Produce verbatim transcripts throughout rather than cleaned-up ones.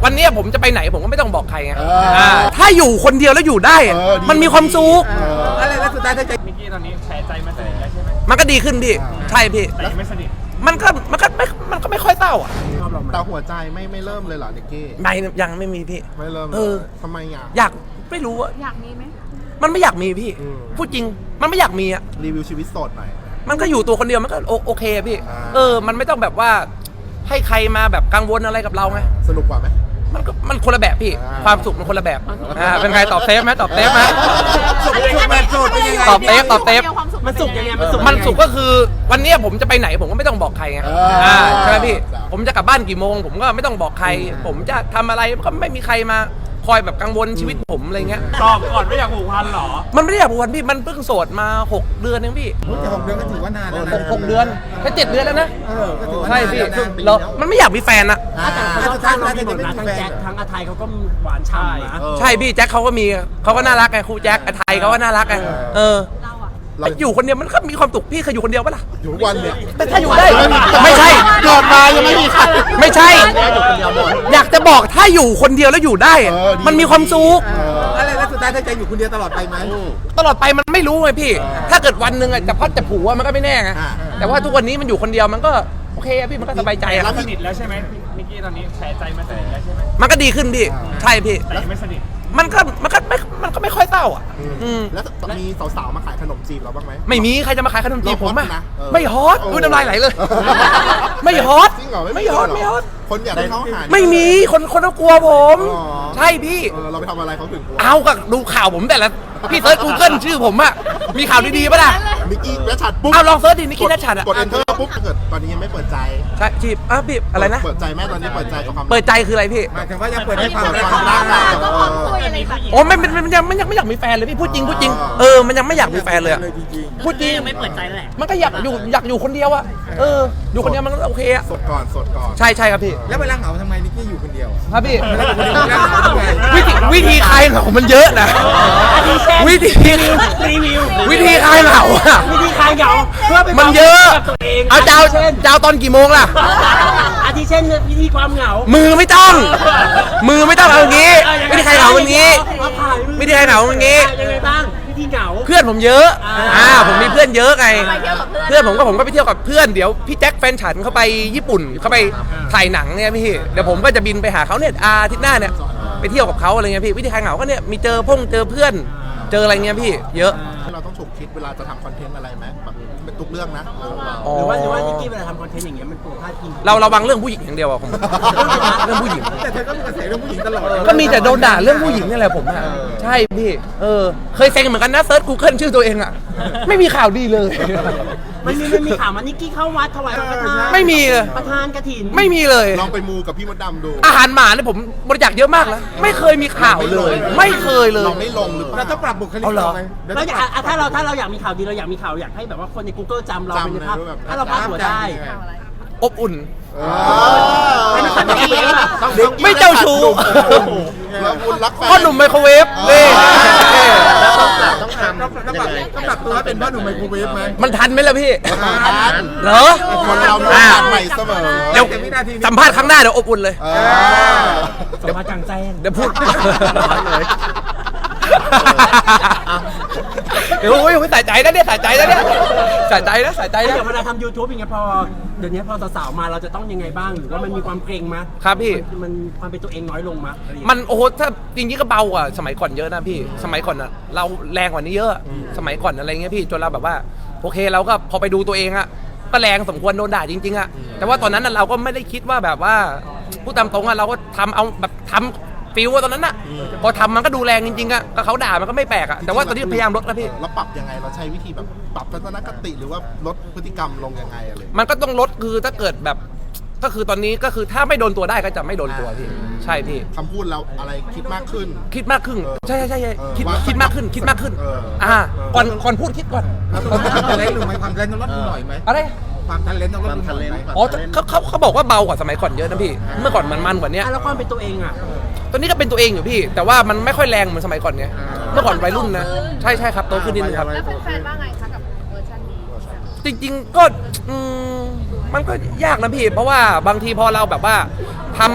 วันนี้ผมจะไปไหนผมก็ไม่ต้องบอกใครไงถ้าอยู่คนเดียวแล้วอยู่ได้มันมีความสุขอะไรแล้วสุดท้ายถ้าใจมิกกี้ตอนนี้แชร์ใจมาสนิทแล้วใช่ไหมมันก็ดีขึ้นพี่ใช่พี่แต่ยังไม่สนิทมันก็มันก็ไม่มันก็ไม่ค่อยเศร้าอ่ะแต่หัวใจไม่ไม่เริ่มเลยเหรอนิกกี้ไม่ยังไม่มีพี่ไม่เริ่มเออทำไมอ่ะอยากไม่รู้อ่ะอยากมีไหมมันไม่อยากมีพี่พูดจริงมันไม่อยากมีอ่ะรีวิวชีวิตโสดหน่อยมันก็อยู่ตัวคนเดียวมันก็โอเคพี่เออมันไม่ต้องแบบว่าให้ใครมาแบบกังวลอะไรกับเราไงสนุกกว่าไหมมันก็มันคนละแบบพี่ความสุขมันคนละแบบอ่าเป็นไงตอบเซฟไหมตอบเซฟไหมสุขแบบโสดเป็นยังไงตอบเซฟตอบเซฟมันสุขยังไงมันสุขมันสุขก็คือวันนี้ผมจะไปไหนผมก็ไม่ต้องบอกใครไงอ่าใช่ไหมพี่ผมจะกลับบ้านกี่โมงผมก็ไม่ต้องบอกใครผมจะทำอะไรก็ไม่มีใครมาคอยแบบกังวลชีวิตผมอะไรเงี้ยตอบก่อนไม่อยากผูกพันหรอมันไม่ได้อยากผูกพันพี่มันเพิ่งโสดมาหกเดือนเองพี่แต่หกเดือนก็ถือว่านานแล้วนะหกเดือนแค่เจ็ดเดือนแล้วนะใช่พี่แล้วมันไม่อยากมีแฟนอะแต่สุดท้ายเรามีหมดนะทั้งแจ็คทั้งอาไทยเขาก็หวานฉ่ำนะใช่พี่แจ็คเขาก็มีเขาก็น่ารักไงครูแจ็คอาไทยเขาก็น่ารักไงเอออยู่คนเดียวมันก็มีความสุขพี่เคยอยู่คนเดียวปะล่ะอยู่วันเนี่ยแต่ถ้าอยู่ได้ไม่ใช่เกิดมายังไม่มีใครไม่ใช่อยากจะบอกถ้าอยู่คนเดียวแล้วอยู่ได้มันมีความสุขอะไรแล้วสุดท้ายถ้าใจอยู่คนเดียวตลอดไปไหมตลอดไปมันไม่รู้ไงพี่ถ้าเกิดวันหนึ่งจะพัดจะผูกมันก็ไม่แน่ไงแต่ว่าทุกวันนี้มันอยู่คนเดียวมันก็โอเคพี่มันก็สบายใจอะสนิทแล้วใช่ไหมมิกกี้ตอนนี้แชร์ใจมาสนิทแล้วใช่ไหมมันก็ดีขึ้นพี่ใช่พี่แต่ยังไม่สนิทมันก็มันก็ไม่มันก็ไม่ค่อยเศร้าอ่ะแล้วมีสาวๆมาขายขนมจีบเราบ้างไหมไม่มีใครจะมาขายขนมจีบผมอ่ะไม่ฮอตอุ้ยน้ำลายไหลเลยไม่ฮอตไม่ฮอตไม่ฮอตคนอยากได้เขาหาไม่มีคนคนกลัวผมใช่พี่เราไปทำอะไรเขาถึงกลัวเอากับดูข่าวผมแต่ละพี่เซิร์ช Google ชื่อผมอ่ะมีข่าวดีๆป่ะล่ะนิกกี้นัชชัดปุ๊บเอาลองเซิร์ชดินิกกี้นัชชัดอ่ะกด enter ปุ๊บเกิดตอนนี้ยังไม่เปิดใจใช่จีบอ่ะพี่อะไรนะเปิดใจแม่ตอนนี้เปิดใจกับความเปิดใจคืออะไรพี่หมายถึงว่ายังเปิดให้ความรักความรักโอ้ไม่มันยังมันยังไม่อยากมีแฟนเลยพี่พูดจริงพูดจริงเออมันยังไม่อยากมีแฟนเลยพูดจริงไม่เปิดใจแหละมันก็อยากอยู่อยากอยู่คนเดียวอะเอออยู่คนเดียวมันก็โอเคอะสดก่อนสดก่อนใช่ใช่ครับพี่แล้วเวลาเหงาทำไมนิกกี้อยู่คนเดียวครับพี่วิธีวิธีคลายเหงามันเยอะนะวิธีรีวิววิธีคลายเหงาอะวิธีคลายเหงาเพื่อเป็นมันเยอะเอาเจ้าเจ้าตอนกี่โมงล่ะอาทิเช่นวิธีความเหงามือไม่ต้องมือไม่ต้องเอาอย่างงี้วิธีคลายเหงาอย่างงี้วิธีคลายเหงาอย่างงี้ยังไงบ้างวิธีเหงาเพื่อนผมเยอะอ่าผมมีเพื่อนเยอะไงเพื่อนผมก็ผมก็ไปเที่ยวกับเพื่อนเดี๋ยวพี่แจ็คแฟนฉันเขาไปญี่ปุ่นเขาไปถ่ายหนังเนี่ยพี่เดี๋ยวผมก็จะบินไปหาเขาเนี่ยอาทิตย์หน้าเนี่ยไปเที่ยวกับเขาอะไรเงี้ยพี่วิธีคลายเหงาก็เนี่ยมีเจอพงเจอเพื่อนเจออะไรเงี้ยพี่เยอะเราต้องฉุกคิดเวลาจะทำคอนเทนต์อะไรไหมแบบเป็นทุกเรื่องนะหรือว่าหรือว่านิกกี้เวลาทำคอนเทนต์อย่างเงี้ยมันกลัวพลาดพิงเราระวังเรื่องผู้หญิงอย่างเดียวอะผมเรื่องผู้หญิงแต่เธอก็มีกระแสเรื่องผู้หญิงตลอดก็มีแต่โดนด่าเรื่องผู้หญิงนี่แหละผมอะใช่พี่เออเคยเซ็งเหมือนกันนะเซิร์ช Google ชื่อตัวเองอะไม่มีข่าวดีเลยมันมีมันมีข่าวมานิกกี้เข้าวัดถวายสังฆทานไม่มีเลยประธานกฐินไม่มีเลยลองไปมูกับพี่มดดำดูอาหารหมาเนี่ยผมบริจาคเยอะมากแล้วไม่เคยมีข่าวเลยไม่เคยเลยเราไม่ลงหรือเปล่าเราต้องปรับบุคลิกเราไหมแล้วถ้าเราถ้าเราอยากมีข่าวดีเราอยากมีข่าวอยากให้แบบว่าคนใน Google จำเราเป็นภาพถ้าเราพาดหัวได้อบอุ่นไม่เจ้าชู้พ่อหนุ่มไมโครเวฟนี่ต้องทำต้องปรับตัวเป็นพ่อหนุ่มไมโครเวฟไหมมันทันไหมล่ะพี่ทันเหรอคนเราใหม่เสมอเดี๋ยวสัมภาษณ์ครั้งหน้าเดี๋ยวอบอุ่นเลยเดี๋ยวมาจังแจ้งเดี๋ยวพูดเดี๋ยวโอ้ยใส่ใจนะเนี่ยใส่ใจนะเนี่ยใส่ใจนะใส่ใจนะเดี๋ยวเวลาทำยูทูบอย่างเงี้ยพอเดี๋ยวนี้พอสาวๆมาเราจะต้องยังไงบ้างหรือว่ามันมีความเกรงมั้ยครับพี่มันความเป็นตัวเองน้อยลงมั้ยมันโอ้โหถ้าจริงๆก็เบากว่าสมัยก่อนเยอะนะพี่สมัยก่อนอะเราแรงกว่านี้เยอะสมัยก่อนอะไรเงี้ยพี่จนเราแบบว่าโอเคเราก็พอไปดูตัวเองอะก็แรงสมควรโดนด่าจริงๆอะแต่ว่าตอนนั้นเราก็ไม่ได้คิดว่าแบบว่าพูดตามตรงอะเราก็ทำเอาแบบทำฟิลว่าตอนนั้นน่ะพอทำมันก็ดูแรงจริงๆอะก็เขาด่ามันก็ไม่แปลกอะแต่ว่าตอนนี้พยายามลดแล้วพี่เราปรับยังไงเราใช้วิธีแบบปรับทัศนคติหรือว่าลดพฤติกรรมลงยังไงอะไรมันก็ต้องลดคือถ้าเกิดแบบก็คือตอนนี้ก็คือถ้าไม่โดนตัวได้ก็จะไม่โดนตัวพี่ใช่พี่คำพูดเราอะไรคิดมากขึ้นคิดมากขึ้นใช่ใช่ใช่คิดคิดมากขึ้นคิดมากขึ้นอ่าก่อนก่อนพูดคิดก่อนความทันเลนหรือไม่ความทันเลนต้องลดหน่อยไหมอะไรความทันเลนต้องลดหน่อยไหมอ๋อเขาเขาเขาบอกว่าเบากว่าสมัยก่อนเยอะนะพี่เมื่อก่อนมันมันกว่านี้แล้วความเป็นตัวเองอ่ะตอนนี้ก็เป็นตัวเองอยู่พี่แต่ว่ามันไม่ค่อยแรงเหมือนสมัยก่อนไงเมื่อก่อนวัยรุ่นนะใช่ใช่ครับโตขึ้นนิดนึงครับแล้วแฟนๆว่าไงคะกับเวอร์ชันนี้จริงๆก็มันก็ยากนะพี่เพราะว่าบางทีพอเราแบบว่าทำ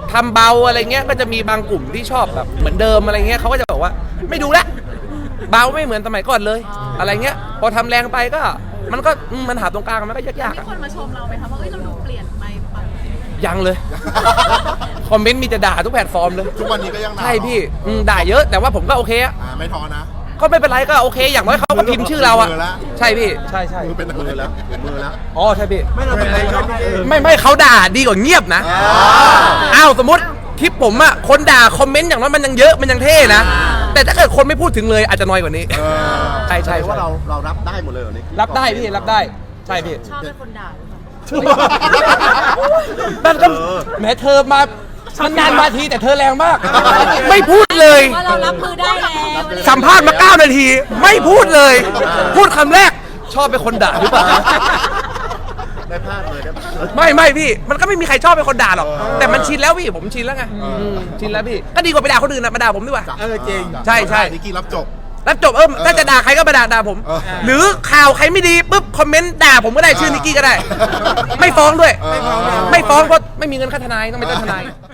ทำเบาอะไรเงี้ยก็จะมีบางกลุ่มที่ชอบแบบเหมือนเดิมอะไรเงี้ยเขาก็จะบอกว่าไม่ดูละเบาไม่เหมือนสมัยก่อนเลย อะไรเงี้ยพอทำแรงไปก็มันก็อืมมันหาตรงกลางมันก็ยากๆมีอะคนมาชมเราไหมคะว่าเอ้ยเราดูเปลี่ยนไปปะยังเลย คอมเมนต์มีแต่ด่าทุกแพลตฟอร์มเลยทุกวันนี้ก็ยังด่าใช่พี่อืมด่าเยอะแต่ว่าผมก็โอเคอะอ่าไม่ท้อนะก็ไม่เป็นไรก็โอเค อย่างน้อยเขาก็พิมพ์ชื่อเราอะมือละใช่พี่ใช่ใช่มือเป็นมือแล้วมือแล้วอ๋อใช่พี่ไม่เราเป็นอะไรชอบพี่เอไม่ไม่เขาด่าดีกว่าเงียบนะอ้าวสมมติคลิปผมอะคนด่าคอมเมนต์อย่างน้อยมันยังเยอะมันยังเท่นะแต่ถ้าเกิดคนไม่พูดถึงเลยอาจจะน้อยกว่านี้เออใช่ใช่แสดงว่าเราเรารับได้หมดเลยเหรอนี่รับได้พี่รับได้ใช่พี่ชอบเป็นคนด่าหรือเปล่ามันก็แหมเธอมามันนานมาทีแต่เธอแรงมาก ไม่พูดเลยว่าเรารับมือได้แล้วสัมภาษณ์มาเก้านาที ไม่พูดเลย พูดคำแรกชอบเป็นคนด่าหรือเปล่าได้พลาดเลยได้พลาดเลยไม่ไม่พี่ มันก็ไม่มีใครชอบเป็นคนด่าหรอกเออแต่มันชินแล้วพี่ผมชินแล้วไงมชินแล้วพี่ก็ดีกว่าไปด่าคนอื่นนะมาด่าผมดีกว่าเออจริงใช่ใช่นิกกี้รับจบแล้วจบเออถ้าจะด่าใครก็มาด่าด่าผมเออหรือข่าวใครไม่ดีปุ๊บคอมเมนต์ด่าผมก็ได้ชื่อนิกกี้ก็ได้ ไม่ฟ้องด้วยเออไม่ฟ้องเพราะไม่มีเงินค่าทนายต้องไปจ้างทนายเออ